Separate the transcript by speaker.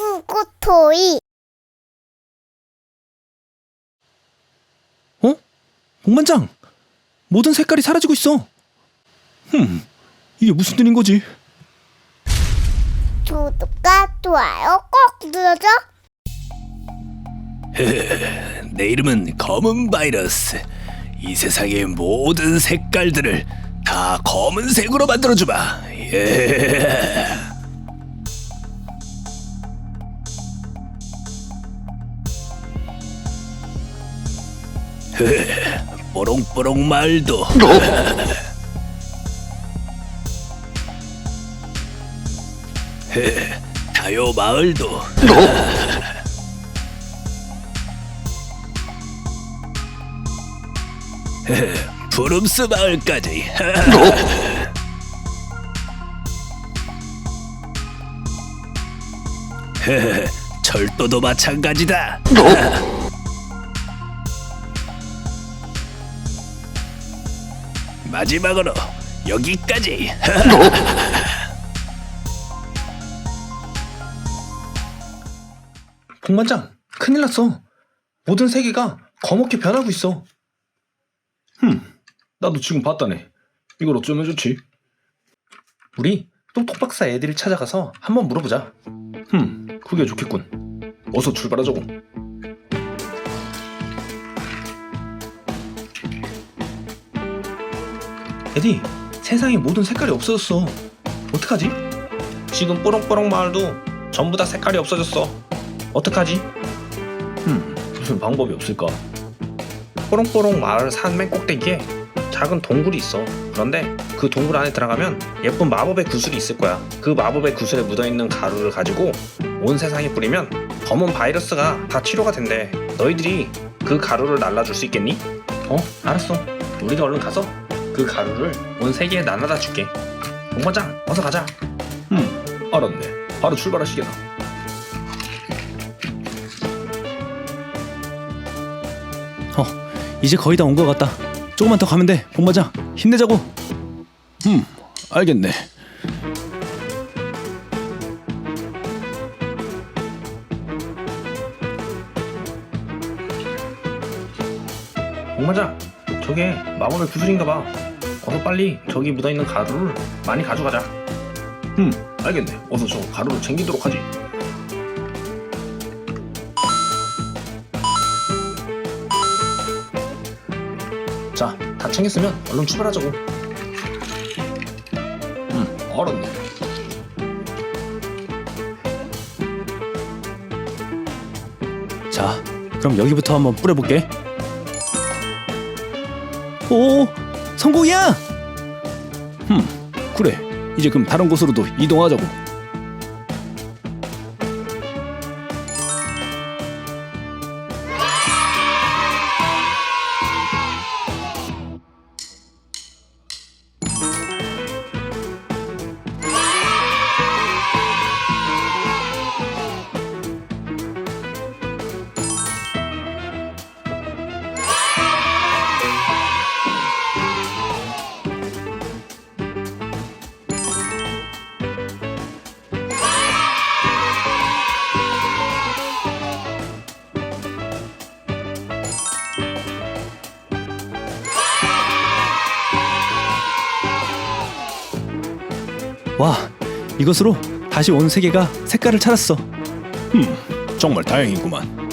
Speaker 1: 후구토이.
Speaker 2: 어? 복만장! 모든 색깔이 사라지고 있어. 이게 무슨 일인 거지?
Speaker 1: 구독과 좋아요 꼭 눌러줘.
Speaker 3: 내 이름은 검은 바이러스. 이 세상의 모든 색깔들을 다 검은색으로 만들어주마. 예. 뽀롱뽀롱 말도. 다요 마을도. 푸름스 마을까지. 철도도 마찬가지다. 마지막으로 여기까지.
Speaker 2: 복만장, 큰일 났어. 모든 세계가 검게 변하고 있어. 나도 지금 봤다네. 이걸 어쩌면 좋지? 우리 똑똑박사 애들을 찾아가서 한번 물어보자. 그게 좋겠군. 어서 출발하자고. 에디, 세상에 모든 색깔이 없어졌어. 어떡하지?
Speaker 4: 지금 뽀롱뽀롱 마을도 전부 다 색깔이 없어졌어. 어떡하지?
Speaker 2: 무슨 방법이 없을까?
Speaker 4: 뽀롱뽀롱 마을 산 맨 꼭대기에 작은 동굴이 있어. 그런데 그 동굴 안에 들어가면 예쁜 마법의 구슬이 있을 거야. 그 마법의 구슬에 묻어있는 가루를 가지고 온 세상에 뿌리면 검은 바이러스가 다 치료가 된대. 너희들이 그 가루를 날라줄 수 있겠니? 알았어. 우리가 얼른 가서 그 가루를 온 세계에 나눠다 줄게. 복만장, 어서 가자.
Speaker 2: 알았네. 바로 출발하시게나. 이제 거의 다 온 것 같다. 조금만 더 가면 돼. 복만장, 힘내자고. 알겠네.
Speaker 4: 복만장, 저게 마법의 구슬인가 봐. 어서 빨리 저기 묻어있는 가루를 많이 가져가자.
Speaker 2: 알겠네. 어서 저 가루를 챙기도록 하지.
Speaker 4: 자, 다 챙겼으면 얼른 출발하자고.
Speaker 2: 알았네. 자, 그럼 여기부터 한번 뿌려볼게. 오, 성공이야! 그래. 이제 그럼 다른 곳으로도 이동하자고. 와, 이것으로 다시 온 세계가 색깔을 찾았어. 정말 다행이구만.